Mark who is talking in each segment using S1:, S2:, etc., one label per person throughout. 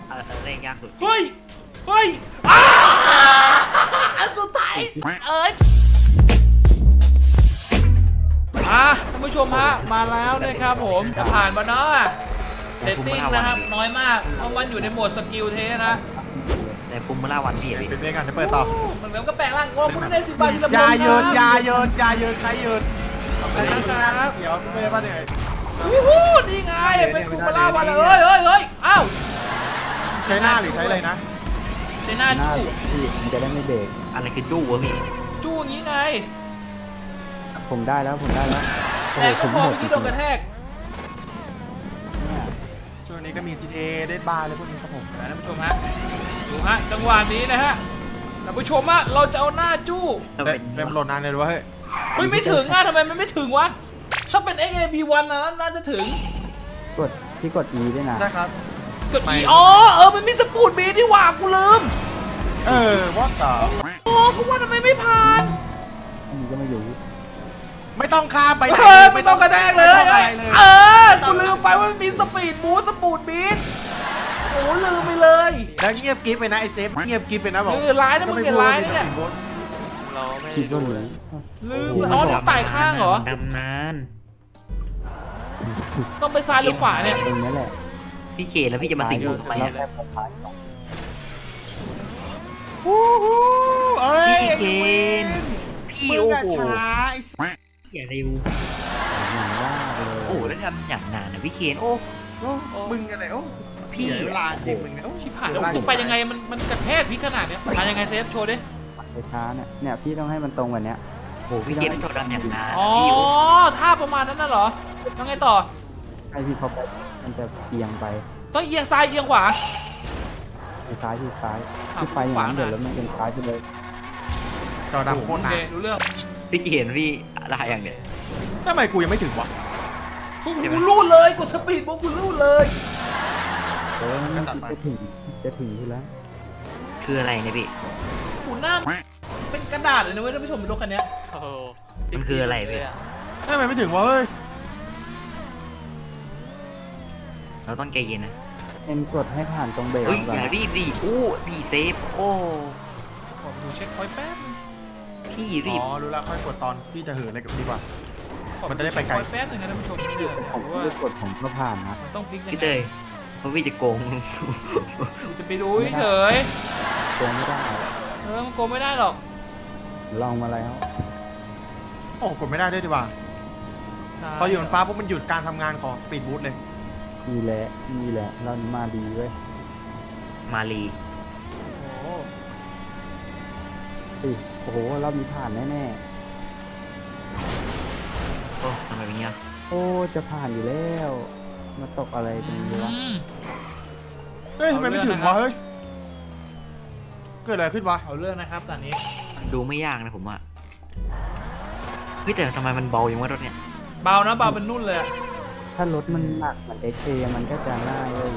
S1: เล่นยากสุด
S2: เฮ้ยอันสุดท้ายท่านผู้ชมฮะมาแล้วนะครับผมจะผ่านมาเนาะเรตติ้งนะครับน้อยมากเพราะมันอยู่ในโหมดสกิลเทสนะ
S1: แต่ภูมิล่าวันพี่
S3: เป็นเรื่องกันจะเปิดต่อ
S2: มันแล้วก็แปลงร่างว่าคุณได้10 บาททีละ
S3: อย่าเยินใครเยิน
S2: ไปนะครับ
S3: เดี๋ยวเตยป่ะเนี่ย
S2: นี่ไงเป็นภูมิล่าวันเลยเฮ้ยอ้าว
S3: ใช้หน้าหรือใช้อะไรนะ
S2: ใช้หน้าจู้
S4: พี่มันจะได้ไม่เบรก
S1: อะไรคือจู้วะพี่
S2: จู้อย่างนี้ไง
S4: ผมได้แล้ว
S2: แต่ก็พอเมื่อกี้โดนกระแทก
S3: ช่วงนี้ก็มี GTA ได้บาร์เลยพวกนี้ครับผม
S2: ท่านผู้ชมฮะดูฮะจังหวะนี้นะฮะท่านผู้ชมฮะเราจะเอาหน้าจู้
S3: เริ่มหล่นนานเลยวะ
S2: เฮ้ยไม่ถึงทำไมมันไม่ถึงวะถ้าเป็น XAB1 นะน่าจะถึง
S4: กด E ด้วยนะ
S3: ใช่ครับ
S2: กด E มันมีสปูดบีที่ว่ากูลืม
S3: ว่าต่อ
S2: กูว่าทำไมไม่ผ่าน
S4: อันนี้ก็ไม่อยู่
S3: ไม่ต้องข้ามไป
S2: ไม่ต้องกระแทกเลยกูลืมไปว่ามีสปีดบูสปูดบีโอ้ลืมไปเลย
S3: แล้วเงียบกิ๊บไปนะไอเซฟเงียบกิ๊บไปนะบอก
S2: ร้ายนะมึงเป็นร้ายนะเนี่ย
S4: คิดว่าเลย
S2: ลืมต้องไต่ข้างเหรอ
S1: ดำนาน
S2: ต้องไปซ้ายหรือขวาเนี่ย
S4: ตรงนี้แหละ
S1: พี่เกแล้วพี่จะมาสิงผมทำไม
S3: พี่
S1: เกพี่
S3: โอ้โหช้าไอ้
S1: อย่าเร็วโอ้แล้วทำอย่างนานนะพี่เคน
S3: มึงอะไรพี่เวลาจริงมึงเนี่ย
S2: ชิบหายแล้วจะไปยังไงมันกระแทกพี่ขนาดเนี้ยมายังไงเซฟโชว์ดิ
S4: ไปช้าเนี่ยพี่ต้องให้มันตรงกว่านี้
S1: โอ้พี่เคนโชว์ดำอย่างนาน
S2: ท่าประมาณนั้นน่ะเหรอต้องไงต่อ
S4: ให้พี่เขาไปมันจะเอียงไป
S2: ต้องเอียงซ้ายเอียงขวา
S4: ซ้ายที่ไปอย่างนั้นเดี๋ยวแล้วมันเป็นซ้ายไปเลย
S3: จอดำโคตรนาน
S2: รู้เรื่อง
S1: พี่เคนพี่อะไรอย่างเนี้ย
S3: ทำไมกูยังไม่ถึงวะ
S2: กูรูดเลยกูสปีดกูรูดเลย
S4: จะถึงที่แล้ว
S1: คืออะไรเนี่ยพี่
S2: หูหน้าเป็นกระดาษเลยนะเว้ยท่านผู้ชมเป็นรถคันนี้
S1: มันคืออะไรพี่
S3: ทำไมไม่ถึงวะเฮ้ย
S1: เราต้องใจเย็นนะ
S4: กดให้ผ่านตรงเบรก
S1: อย่ารีบดิดีเซฟ
S2: ขอดูเช็คพอยต์แป๊บ
S1: พี่รีบ
S3: รู้แล้วค่อยกดตอนที่จะเหินอะไรกับดีกว่ามันจะได้ไปไกล
S2: แป๊บนึงนะท่านผู้ชม
S4: ผมไม่กดผมก็ผ่านนะ
S2: ต้องพลิกยังไง
S1: พี่เตยเพราะพี่จะโกง
S2: จะไปดูเฉย
S4: โกงไม่ได้
S2: มันโกงไม่ได้หรอก
S4: ลองมาแล้ว
S3: กดไม่ได้ด้วยดีกว่าพออยู่บนฟ้าปุ๊บมันหยุดการทำงานของสปีดบูทเลย
S4: นี่แหละเรามาดีเว้ย
S1: มาลี
S4: โอ้โหรอบนี้ผ่านแน่
S1: ทำไมเป็นเงี้ย
S4: จะผ่านอยู่แล้วมาตกอะไรตรงนี้วะ
S3: ทำไมไม่ถึงวะเฮ้ยเกิดอะไรขึ้นวะ
S2: เอาเรื่องนะครับตอนนี้
S1: ดูไม่ยากนะผมว่าพี่แต่ทำไมมันเบาอย่างว่ารถเนี่ย
S2: เบานะเบาเป็นนุ่นเลย
S4: ถ้ารถมันหนักเหมือน XA มันก็จะง่ายเลย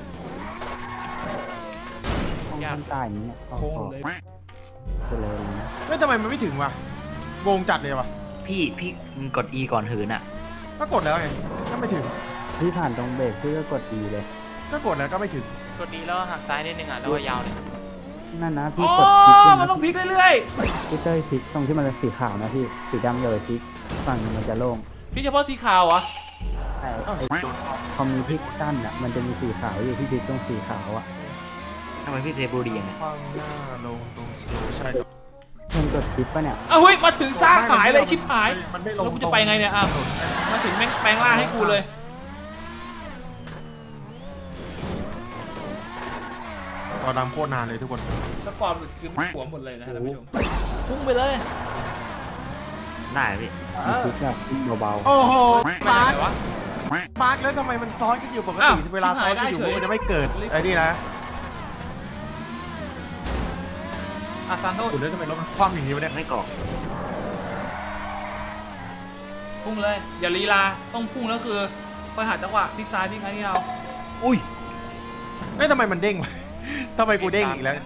S4: ยากตายอย่างเงี้ย
S2: โค้งเลย
S4: เลย
S3: ไม่ทำไมมันไม่ถึงวะงงจัดเลยวะ
S1: พี่กด E ก่อนหืนอ่ะ
S3: ก็กดแล้วไงก็ไม่ถึง
S4: พี่ผ่านตรงเบรกพี่ก็กด E เลย
S3: ก็กดแล้วก็ไม่ถึง
S2: กด E แล้วหักซ้ายนิดนึงอ่ะแล้วก็ยาวเลย
S4: นั่นนะพี่กดพลิก
S2: มันต้องพลิกเรื่อย
S4: ๆพี่เต้ยพลิกตรงที่มันเป็นสีขาวนะพี่สีดำอย่าไปพลิกฝั่งมันจะโล่ง
S2: พี่เฉพาะสีขาวอ่ะ
S4: พอมีพลิกสั้นอ่ะมันจะมีสีขาวอยู่ที่พลิกตรงสีขาวอ่ะ
S1: ทำไมพี่เซบูดีอย่างเงี้ย
S3: ลงตรงใช่
S4: มันกดชิปป่ะเนี่ย
S2: เฮ้ยมาถึงซ่าหายเลยชิปหายแล้วกูจะไปไงเนี่ยมาถึงแปลงล่าให้กูเลย
S3: ตอนดำโคตรนานเลยทุกคน
S2: สปอร์ตคือมันหัวหมดเลยนะท่านผู้ชมพุ่งไปเลย
S1: ได้พี่
S4: ชิปแบบเบา
S3: ๆโอ้โหมาร์คแล้วทำไมมันซ้อนกันอยู่ปกติเวลาซ้อนกันอยู่มันจะไม่เกิดไอ้นี่นะ
S2: ซานโต้
S3: คุณเล่นทำไมรถมันคว่ำอย่างนี้วะเนี่ย
S1: ไม่เกาะ
S2: พุ่งเลยอย่าลีลาต้องพุ่งแล้วคือไปหาจังหวะพลิกซ้ายพลิกซ้ายนี่เอา
S3: ทำไมมันเด้งวะทำไมกูเด้งอีกแล้ว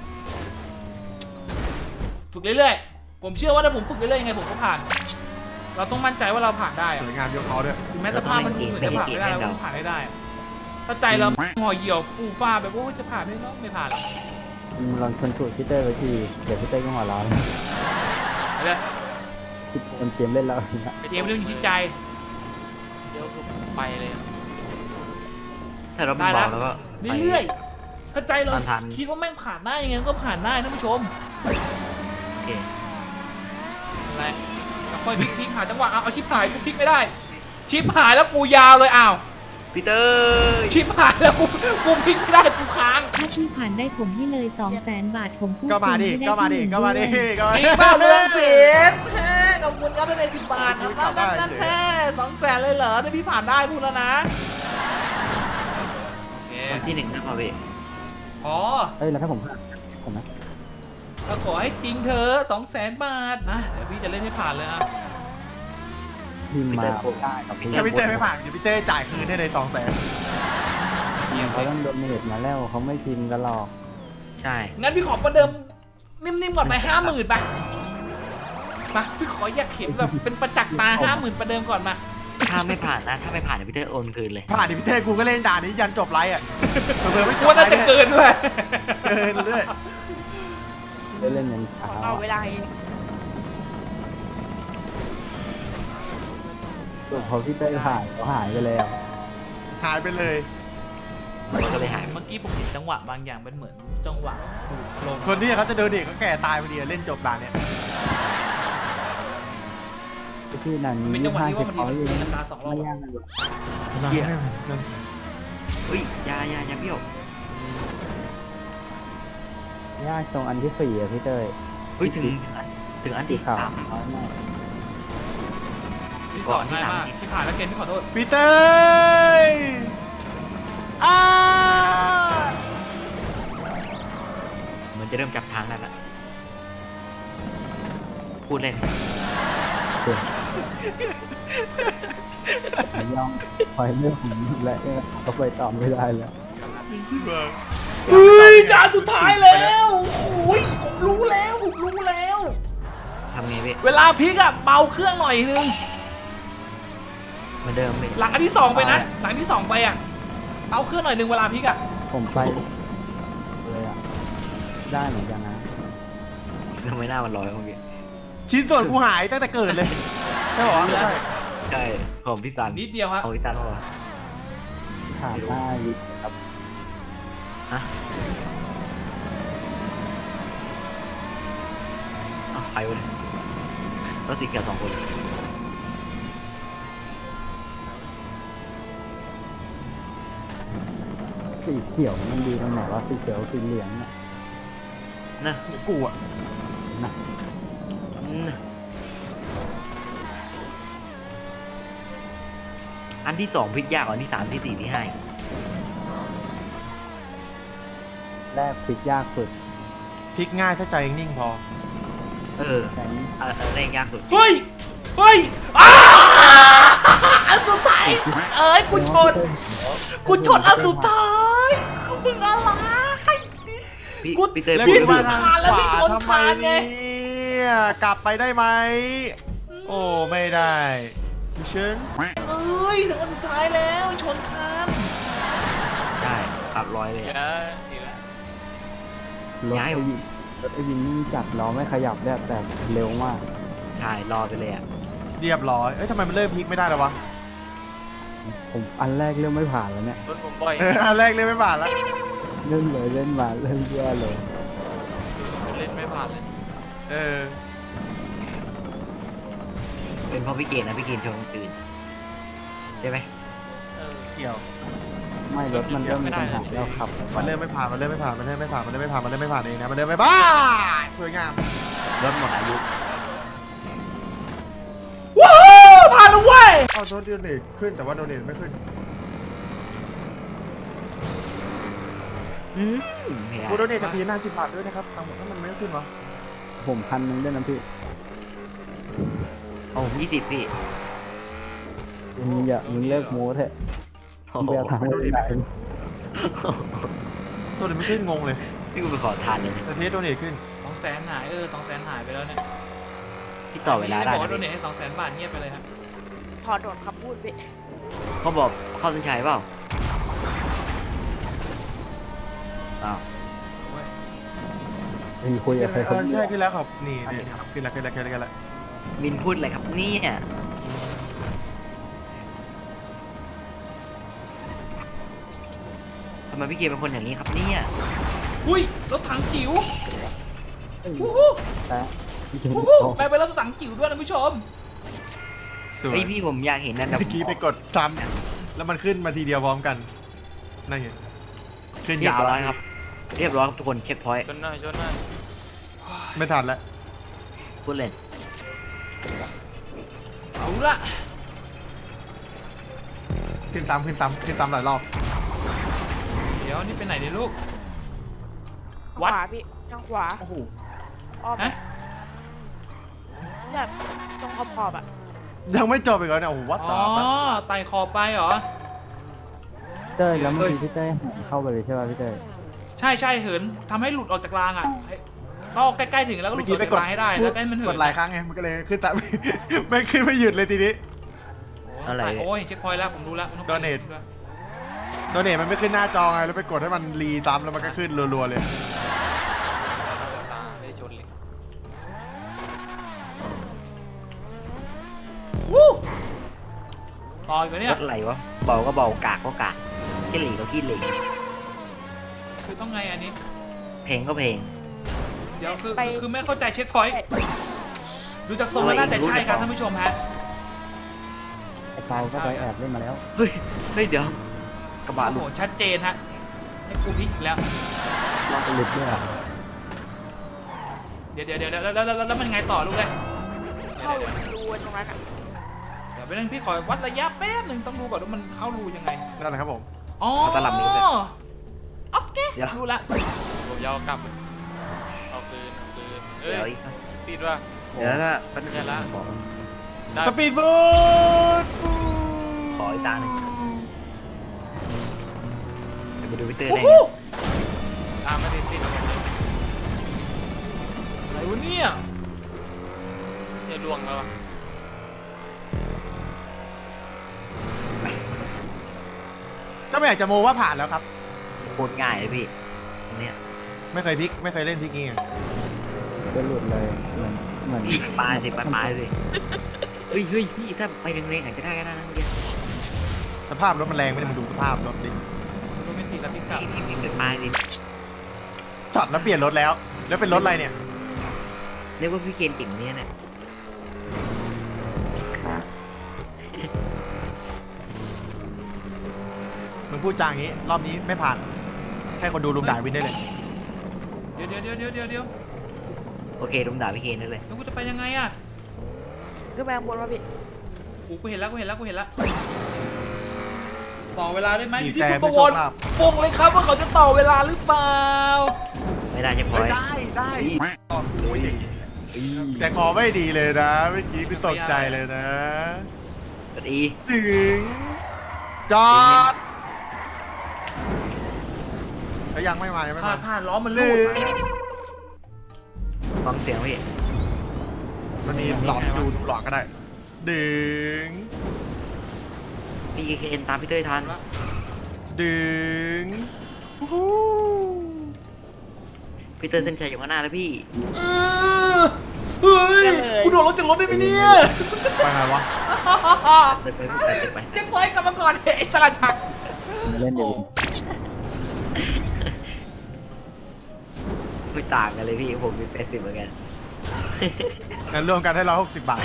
S2: ฝึกเรื่อยๆผมเชื่อว่าถ้าผมฝึกเรื่อยๆยังไงผมก็ผ่านเราต้องมั่นใจว่าเราผ่านได้
S3: สวยงามยกเขาด้วย
S2: แม้สภาพมันเหมือนจะผ่านไม่ได้เราต้องผ่านได้ถ้าใจเราห่อเหี่ยวฟูฟ้าแบบว่าจะผ่านไหมเนาะไม่ผ่านหรอก
S4: มึงลองชนสูตรพี่เต้ยไปทีเดี๋ยวพี่เต้ยก็หัวร้อน
S2: ไปเลย
S4: คิดคนเกมเล่นแล้วอย่างเงี้ย
S2: ไปเตรียมเรื่องอยู่ที่ใจ
S5: เดี๋ยวคือไปเลย
S1: ถ้าเรามันเบาแล้วก็ไป
S2: เรื่อยๆถ้าใจเรา
S1: ทัน
S2: คิดว่าแม่งผ่านได้ยังไงก็ผ่านได้ท่านผู้ชม
S1: โอเค
S2: อะไรแล้วค่อยพลิกหาจังหวะเอาชิปหายกูพลิกไม่ได้ ชิปหายแล้วกูยาวเลยอ้าว
S1: พีเตอร์
S2: ชิปหายแล้วกูพลิกไม่ได้กูค้าง
S6: ถ้าพี่ผ่านได้ผมให้เลย 200,000 บาทผมพูด
S3: ก็มาดิ
S6: จริง
S3: ก็มาดิ
S6: ไ
S3: ก็มาดิ
S6: ด้วย
S3: ก็มา
S2: อี
S3: ดิ
S2: กบ้าเรื่องศิลป์ขอบคุณครับท่านใน10 บาทนั่นแค่200,000เลยเหรอถ้าพี่ผ่านได้พูดแล้วนะโอเค
S1: วันที่ 1นะพ่อพี่
S2: อ๋อ
S4: เอ้ยแล้วถ้าผมผ่านผมนะ
S2: เราขอให้จริงเธอ200,000 บาทนะเดี๋ยวพี่จะเล่นให้ผ่านเลยอ่ะ
S4: พิมพ์มาได้กับพี่
S3: ถ้าพี่เต้ไม่ผ่านเดี๋ยวพี่เต้จ่ายคืนให้เลย200,000
S4: เขาต้องโดนเนตมาแล้วเขาไม่พิมพ์กันหรอก
S1: ใช่
S2: งั้นพี่ขอประเดิมนิ่มๆก่อนไป50,000ไปมาพี่ขออยากเห็นแบบเป็นประจักษ์ตา50,000ประเดิมก่อนมา
S1: ถ้าไม่ผ่านนะ ถ้าไม่ผ่านเดี๋ยวพีเตอร์โอนคืนเลย
S3: ผ่านดิพี่เต้กูก็เล่นด่านนี้ยันจบไลฟ์อ่ะเผื่อไม่จ
S2: กลั
S3: บ
S2: ว
S3: ไล
S2: น่า
S3: ฟ์
S2: จะเกินด้วย
S3: เกินเรื่อย
S4: เล่นยันเช้า
S5: เอาเวลาเอง
S4: ส่วนพอพี่เต้ยผ่านเขาหายไปแล้ว
S3: หายไปเลย
S1: ก็เลยหาย
S2: เมื่อกี้ผมเห็นจังหวะบางอย่างเป็นเหมือนจังหวะถูกลง
S3: คนที่เขาจะเดินเด็กก็แก่ตายพอดีเล่นจบด่านเนี้ย
S4: ที่นั่น
S2: เป็น
S4: มี
S2: จังหวะ
S4: ห้า
S2: ที่
S4: สิ
S2: ว่า
S4: บ
S2: มัน
S4: เขาอยู่
S2: มีราคา2 รอบ
S4: ไม่ยากเลย
S1: เหี้ยอุ้ยอยาเบี้ยวย
S4: ากตรงอันที่4อ่ะพี่เต้ย
S1: อุ้ยถึงอัน
S4: สี
S1: ที่
S4: ขาว
S1: 3
S4: น้อยมาก
S2: ที่สอนง่ายมากที่ผ่านแล้วเกณฑ์พี่ขอโทษ
S3: พี่เต้ยอ้า
S1: มันจะเริ่มจับทางแล้วล่ะพูดเล่น
S4: ผมยอมคอยเรื่องของและก็ไปตอบไม่ได้แล้ว
S2: เฮ้ยจานสุดท้ายแล้วโอ้ยผมรู้แล้ว
S1: ทำไงพี่
S2: เวลาพลิกอะเบาเครื่องหน่อยนึง
S1: เหมือนเดิมพี่
S2: หลังอันที่2ไปนะ หลังที่2ไปอะเบาเครื่องหน่อยนึงเวลาพลิกอะ
S4: ผมไปเลยอ่ะได้เหมือนกันนะ
S1: ทำไมหน้ามันลอยเมื่อกี้
S3: ชิ้นส่วนกูหายตั้งแต่เกิดเลย ใช่หรอไม่ใช่
S1: ใช่ของพี่ตัน
S2: นิดเดียวฮะ
S1: ของพี่ตันว่า
S4: ขาด5 ลิตรครับ
S1: ฮะอ้าวใครวะเนี่ยรถสีเขียว2 คน
S4: สีเขียวมันดีตรงไหนวะสีเขียวสีเหลืองเนี่ย
S1: นะ
S3: กูอ่ะ
S4: นะ
S1: อันที่2พลิกยากกว่าอันที่3ที่4ที่5
S4: แรกพลิกยากสุด
S3: พลิกง่ายถ้าใจนิ่งพอ
S1: เออ
S4: แต่นี้
S1: เร่งยากสุด
S2: เฮ้ยอ้าอันสุดท้ายเอ้ยกูชนอันสุดท้ายมึงอะไร
S1: พี่
S2: กู
S1: พี่เต้ย
S3: แล้ว
S1: พูด
S3: พี่
S1: ไม่
S3: มา
S1: ถูก
S3: ทาง
S2: แล้ว
S3: ข
S2: พี่
S3: วา
S2: ชน
S3: ทำไม
S2: คานไง
S3: เนี่ยกลับไปได้ไหม โอ้ไม่ได้พี่เชิญ
S2: เอ้ยถึงอันสุดท้ายแล้วชนคาน
S1: ใช่ปรับร้อยเลย
S5: เดี๋ย
S1: อะ
S5: วเดี๋ยว
S4: รถ
S1: ย้าย
S4: ไอวินรถไอวินนิ่งจัดล้อไม่ขยับได้แต่เร็วมาก
S1: ใช่รอไปเลยอ่ะ
S3: เรียบร้อยเอ้ยทำไมมันเริ่มพลิกไม่ได้แล้ววะ
S4: ผมอันแรกเริ่มไม่ผ่านแล้วเนี่ย
S5: รถผมบ่อย
S3: อันแรกเลยไม่ผ่านแล้ว
S4: เล่นเลยเล่นมาเล่นแย่เลย
S5: เล่นไม่ผ่านเลย
S3: เออ
S1: เป็นเพราะพี่เกณฑ์นะพี่เกณฑ์ชนคนอื่นใช่ไหม
S5: เออ
S3: เกี่ยว
S4: ไม่รถมันเริ่มมีปัญหาแล้วขับ
S3: มันเริ่มไม่ผ่านมันเริ่มไม่ผ่านมันเริ่มไม่ผ่านมันเริ่มไม่ผ่านมันเริ่มไม่ผ่านเองนะมันเริ่มไม่ผ่านสวยงาม
S1: รถหมดอายุ
S2: ว้าวผ่านแล้วเว้ย
S3: เอาโดนเนทขึ้นแต่ว่าโดนเนทไม่ขึ้น
S1: ไม่ได้
S3: กูโดนเนทจะพีหน้า10 บาทด้วยนะครับเอาถ้ามันไม่ขึ้นวะ
S4: ผม1,000ด้วยนะพี่
S1: โอ้20พี่
S4: มึงเลิกโม้เถอะ
S1: โอ้
S4: มึง
S1: โห
S4: ไปเอาทางไปไหน
S3: โดนเนทไม่ขึ้นงงเลย
S1: พี่กูไปขอทานเลย
S3: แต่เทสโดนเนทขึ้น
S2: 200,000หาย200,000หายไปแล้วเนี่ย
S1: พี่ต่อเวลาได้
S2: บอกว่า
S1: นะ
S2: โดน
S1: พี่
S2: เนทให้200,000 บาทเงียบไปเลยครับ
S5: พอโดนคำพูดไป
S1: เขาบอกเข้าเส้นชัยเปล่าอ้าว
S4: มีคุยกับใครคน
S3: ใช่ขึ้นแล้วครับนี่ขึ้นแล้ว
S1: มินพูดอะไรครับเนี่ยทำไมพี่เกมเป็นคนอย่างนี้ครับเนี่ย
S2: อุ้ยรถถังจิ๋ว
S4: แต่พี่เจน
S2: แปลเป็นรถถังจิ๋วด้วยนะผู้ชม
S3: สวย
S1: เฮ้ยพี่ผมอยากเห็นนั่นนะ
S3: เมื่อกี้ไปกดซ้ำแล้วมันขึ้นมาทีเดียวพร้อมกันนั่นไงขึ้น
S1: เรีย
S3: ยา
S1: บ
S3: ว
S1: ร้อยครับ เรียบร้อยครับทุกคนเช็คพอยต์
S5: ชนหน่อยชนหน่อย
S3: ไม่ทันแล้ว
S1: พูดเล่น
S2: เอาละ
S3: ขึ้นซ้ำหลายรอบ
S2: เดี๋ยวนี่ไปไหนเนี่ยลูก
S7: ขวาพี่ทางขวา
S3: โอ้โห
S7: อ้อม
S2: ฮะ
S7: แบบตรงขอบๆอ่ะ
S3: ยังไม่จบอีกแล้วเนี่ยโอ้โหวัด
S2: อ๋
S3: ต่
S2: อ
S3: อ
S2: ไต่ขอบไปเหรอ
S4: เต้ยแล้วเมื่อกี้พี่เต้ยหันเข้าไปเลยใช่ป่ะพี่เต้ย
S2: ใช่เหินทำให้หลุดออกจากรางอ่ะก็ใกล้ๆถึงแล้วก็หลุ
S3: เมื่
S2: ด
S3: อ
S2: อ
S3: กี้
S2: อก
S3: ไป
S2: จาก
S3: กด
S2: รางให้ได้แล้วก็ให้มันเหิ
S3: ก
S2: น
S3: ดหลายครั้งไงมันก็เลยขึ้นแต่ ไม่ขึ้นไม่หยุดเลยทีนี้
S1: อะไร
S2: โอ้ยเช็คพอยต์แล้วผมรู้แล้ว
S3: โดเนท โดเนทมันไม่ขึ้นหน้าจอไงแล้วไปกดให้มันรีตามแล้วมันก็ขึ้นรัวๆเลย
S5: ตาไม่ได้ชนเลย
S2: วู้ต่ออีกไหมเนี่
S1: ร
S2: ย
S1: ถไหลวะเบาก็เบากากก็กากขี้เหล่ก็ขี้เหล่
S2: คือต้องไงอันนี้
S1: เพลงก็เพลง
S2: เดี๋ยวคือไม่เข้าใจเช็คพอยต์ดูจากทรงแล้วน่าจะใช่ครับท่านผู้ชมฮะ
S4: ไอ้เปาก็ไปแอบเล่นมาแล้ว
S1: เฮ้ยเดี๋ยวกระบะ
S2: โอ้
S1: หลุ
S2: โห
S1: ด
S2: ชัดเจนฮะให้กูพลิกอีกแล้ว
S4: ลองไปหลุดด้วยอ่ะ
S2: เดี๋ยวแล้วมันไงต่อลูกเลย
S7: เข้ารูตรงนั้นอ่ะ
S2: เดี๋ยวไปนึงพี่ขอวัดระยะแป๊บนึงต้องดูก่อนว่ามันเข้ารูยังไง
S3: นั่นแหละครับผม
S2: อ๋อ
S1: เอาตลับนี้ไป
S2: โอเค
S1: เดี๋ยว
S2: รู้ละ
S5: ผมยาวกลับเอาคืนเอ้
S1: เดี๋ยวย อีก
S5: ปิดว่า
S1: เดี๋ยวก็แป๊บนึง
S5: แค่ละ ได้
S3: สปีดบูท
S1: ขออีกตาหนึ่งเดี๋ยวไปดูพี่เตอร์
S2: โอ้
S1: ได้
S2: โห
S1: ไง
S5: ตามไม่ได้ติดหมดเลย
S2: อะไรวะเนี่ย
S5: จะล่วงแล้วอะ
S3: ก็ไม่อยากจะโมว่าผ่านแล้วครับ
S1: โคตรง่ายเลยพี่อันเนี่ย
S3: ไม่เคยพลิกไม่เคยเล่นพลิกงี้ไง
S4: ก็หลุดเลยเหมือน
S1: พี่ปลายสิปลายสิเฮ้ยพี่ถ้าไปแรงๆอาจจะได้ก็ได้นะเมื่อกี้
S3: สภาพรถมันแรงไม่ได้มาดูสภาพรถดิ
S2: โรแมนติกแล้วพี่กลับ
S1: พี่เป็นปลายสิ
S3: จอดแล้วเปลี่ยนรถแล้วเป็นรถอะไรเนี่ย
S1: เรียกว่าพี่เกมเก่งเนี่ยนะ
S3: มึงพูดจาอย่างนี้รอบนี้ไม่ผ่านให้คนดูลุมด่าวินได้เลย
S2: เดี๋ยว
S1: โอเคลุมด่าพี่เคนได้เลย
S2: แล้วกูจะไปยังไงอ่ะ
S7: ขึ้นไปข้างบนมาพี่
S2: โอ้กูเห็นแล้วต่อเวลาได้ไหมอยู่ที่
S3: แต่
S2: คุณป
S3: ไม่
S2: ระ
S3: โช
S2: ว
S3: ค
S2: ร
S3: ลาภ
S2: ปงเลยครับว่าเขาจะต่อเวลาหรือเปล่า
S1: ไม่ได้จะพอ
S3: เฮ้
S1: ย
S3: ยได้แต่ขอไม่ดีเลยนะเมื่อกี้พี่ตกใจเลยนะ
S1: กดอี
S3: ถึงจอดแล้วยังไม่มายังไม่มา
S2: พลาดล้อมัน
S3: ลื
S2: ลูด
S1: ฟังเสียงพี่
S3: มันมีหลอดดูหลอดก็ได้ดึง
S1: พี่เคนตามพี่เต้ยทัน
S3: ดึง
S1: พี่เต้ยเส้นชัยอยู่ข้างหน้าแล้วพี่
S2: เฮ้ยกูโดดรถจากรถได้ไหมเนี่ย
S3: ไปไงวะ
S1: เดินไปเดินไป
S2: เจ๊ปอยกลับมาก่อนไอ้สลัดผัก
S4: มาเล่นเดี๋ยว
S1: ไม่ต่างกันเลยพี่ผมมี80เหมือนกัน
S3: งั้นรวมกันให้160 บาท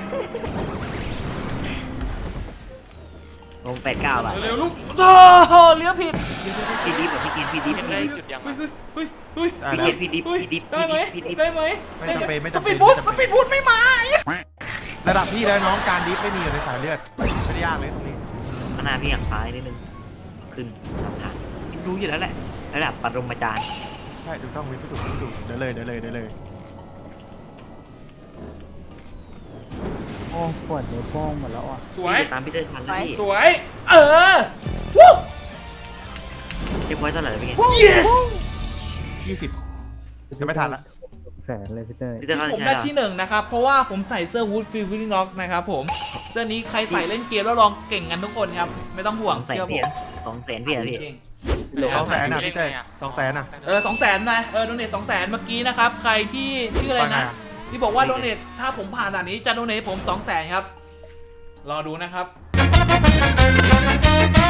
S1: ลง89 บาท
S2: เร็วๆลูกโธ่เลี้ยวผิด
S1: พี่ดิฟแบบพี่เคนพี่ดิฟ
S5: ยัง
S1: พี่
S5: ได้
S1: ดิฟ
S5: จุดยังอะ
S2: เฮ้ย
S3: ได้
S1: พี่
S3: แล้ว
S1: เคนพี่ดิฟพี่ดิฟ
S2: ได้ไหม
S1: พี่ดิฟ
S2: ได้ไหม
S3: ไม่จำเป็นไม่
S2: ส
S3: จำ
S2: ปี
S3: เป็น
S2: ดบูทไม่มา
S3: ระดับพี่แล้วน้องการดิฟไม่มีอยู่ในสายเลือดไม่ได้ยากเลยตรงนี้
S1: ข้างหน้าพี่อย่างซ้ายนิดนึงขึ้นทางผ่านรู้อยู่แล้วแหละระดับปรมาจารย์
S3: ใช่ถูกต้องวินถูกเดี๋ยวเลย
S4: โอ้ปวดนิ้วโป้งหมดแล้วอ่ะ
S2: สวย
S1: พี่ตามพี่เต้ยทันแล้วพี่
S2: สวย วู้
S1: เช็คไว้เท่าไหร่แล้วพี่เคน
S2: yes
S3: 20จะไม่ทันละ
S4: แสนเลยพี่เต้ย
S1: พี่เต้ยทัน
S2: ผม
S1: ใช่
S2: ได้
S1: ไหม
S2: ที่ 1 นะครับ เพราะว่าผมใส่เสื้อ Wood Feeling Lock นะครับผม เสื้อนี้ใครใส่เล่นเกมแล้วลองเก่งกันทุกคนครับ ไม่ต้องห่วง
S1: 200,000
S2: เชื่อผ
S1: พี่
S2: ม
S1: 200,000พี่อะพี่
S2: จริง
S3: 200,000นะพี่เต้200,000นะ
S2: 200,000นะโดเนท200,000เมื่อกี้นะครับใครที่ชื่ออะไรนะที่บอกว่าโดเนทถ้าผมผ่านด่านนี้จะโดเนทผม200,000ครับรอดูนะครับ